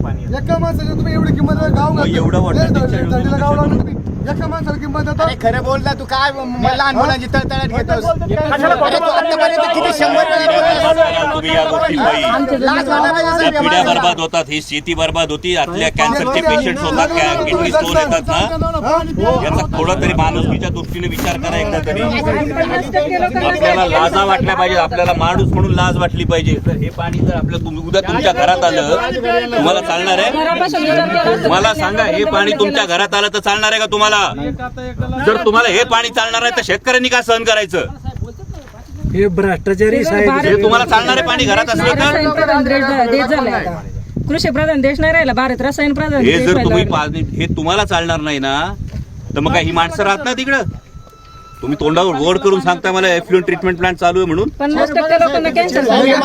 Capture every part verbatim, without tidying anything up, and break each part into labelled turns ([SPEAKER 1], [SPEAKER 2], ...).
[SPEAKER 1] एका माणसाला तुम्ही एवढी किंमत गाव
[SPEAKER 2] एवढं वाटतं
[SPEAKER 1] गाव लावून तुम्ही एका माणसाला किंमत देता.
[SPEAKER 3] खरं बोलता तू काय लहान मुलांची तळतळाट घेतोस. किती शंभर
[SPEAKER 2] तुम्ही या गोष्टी पिढ्या बर्बाद होतात, ही शेती बर्बाद होती, आतल्या कॅन्सरचे पेशंट होतात, किडनी स्टोन येतात ना, याचा थोडा तरी माणुसकीच्या दृष्टीने विचार करा एकदा तरी. आपल्याला लाजा वाटल्या पाहिजे, आपल्याला माणूस म्हणून लाज वाटली पाहिजे. तर हे पाणी जर आपल्या उद्या तुमच्या घरात आलं तुम्हाला चालणार आहे? मला सांगा, हे पाणी तुमच्या घरात आलं तर चालणार आहे का तुम्हाला? जर तुम्हाला हे पाणी चालणार आहे तर शेतकऱ्यांनी का सहन करायचं?
[SPEAKER 4] हे भ्रष्टाचारी साहेब,
[SPEAKER 2] हे तुम्हाला चालणारे पाणी घरात असलं तर
[SPEAKER 5] कृषी प्रधान देश नाही राहिला, भारत रसायन प्रधान.
[SPEAKER 2] हे जर तुम्ही पाणी हे तुम्हाला चालणार नाही ना, तर मग काय ही माणसं राहत ना तिकडं? तुम्ही तोंडावर गोड करून सांगता मला एफ्लुएंट ट्रीटमेंट प्लांट चालू आहे म्हणून.
[SPEAKER 5] पन्नास टक्के लोकांना कॅन्सर.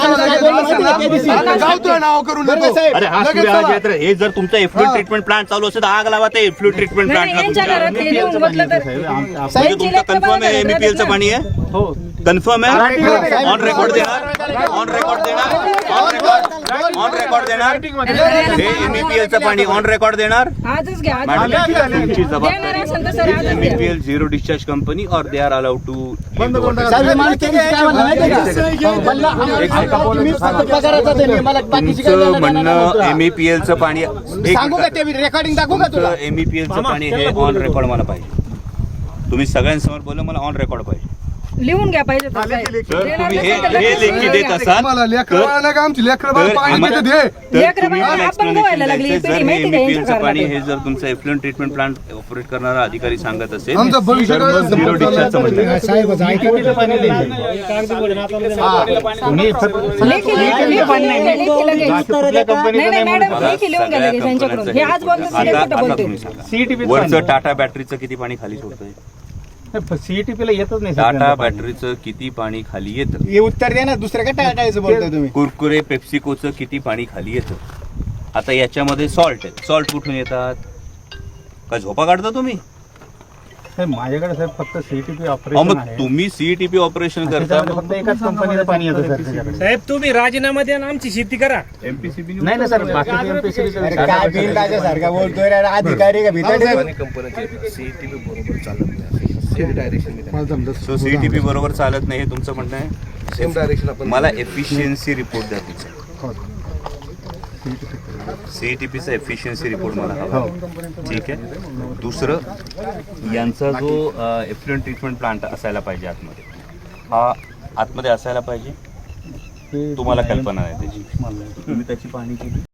[SPEAKER 2] अरे हा सूर्य, हे जर तुमचं एफ्लुएंट ट्रीटमेंट प्लांट चालू असेल तर आग लावा ते एफ्लुएंट ट्रीटमेंट प्लांटला. म्हणजे तुमचं कन्फर्म आहे एमईपीएलचं पाणी आहे? हो कन्फर्म आहे. ऑन रेकॉर्ड देणार, ऑन रेकॉर्ड देणार, ऑन रेकॉर्ड ऑन रेकॉर्ड देणार. हे एमईपीएलचं पाणी ऑन रेकॉर्ड देणार.
[SPEAKER 5] आजच घ्या.
[SPEAKER 2] तुमची जबाबदारी. एमईपीएल झिरो डिस्चार्ज कंपनी और दे आर अलाउड टू. तुमचं म्हणणं एमईपीएलचं पाणी
[SPEAKER 3] रेकॉर्डिंग दाखवू का तुला?
[SPEAKER 2] एमईपीएलचं पाणी हे ऑन रेकॉर्ड मला पाहिजे. तुम्ही सगळ्यांसमोर बोला, मला ऑन रेकॉर्ड पाहिजे.
[SPEAKER 5] लिहून घ्या पाहिजे.
[SPEAKER 2] जर तुम्ही हे हे लेखी देत असाल एमईपीएलचं पाणी हे जर तुमचं एफ्लुएंट ट्रीटमेंट प्लांट ऑपरेट करणारा अधिकारी सांगत असेल झिरो डिस्चार्जचं म्हणणं. वरचं टाटा बॅटरीचं किती पाणी खाली सोडतंय?
[SPEAKER 3] सीईटीपीला येतच नाही.
[SPEAKER 2] टाटा बॅटरीचं किती पाणी खाली येतं?
[SPEAKER 3] हे उत्तर द्या ना, दुसऱ्या काय टाळायचं बोलतोय तुम्ही?
[SPEAKER 2] कुरकुरे पेप्सिकोचं किती पाणी खाली येतं? आता याच्यामध्ये सॉल्ट आहे, सॉल्ट कुठून येतात? का झोपा काढता तुम्ही?
[SPEAKER 3] माझ्याकडे साहेब फक्त सीईटीपी
[SPEAKER 2] अहो,
[SPEAKER 3] ऑपरेशन
[SPEAKER 2] मग
[SPEAKER 3] आहे.
[SPEAKER 2] तुम्ही सीईटीपी ऑपरेशन करता.
[SPEAKER 3] फक्त एकाच कंपनीचं पाणी येतं सर.
[SPEAKER 4] साहेब तुम्ही राजीनामा द्या आणि आमची शेती करा.
[SPEAKER 2] एमपीसीबी
[SPEAKER 3] नाही ना सर, बाकी एमपीसीबी
[SPEAKER 1] काय बिल सारखा बोलतोय रे, अधिकारी का भीतर
[SPEAKER 2] सो सीईटीपी बरोबर चालत नाही हे तुमचं म्हणणं आहे?
[SPEAKER 1] सेम डायरेक्शन आपण
[SPEAKER 2] मला एफिशियन्सी रिपोर्ट द्या तिचा. सीईटीपीचा एफिशियन्सी रिपोर्ट मला हवा. ठीक आहे. दुसरं, यांचा जो एफ्लुएंट ट्रीटमेंट प्लांट असायला पाहिजे आतमध्ये, हा आतमध्ये असायला पाहिजे. तुम्हाला कल्पना आहे त्याची? तुम्ही त्याची पाहणी केली?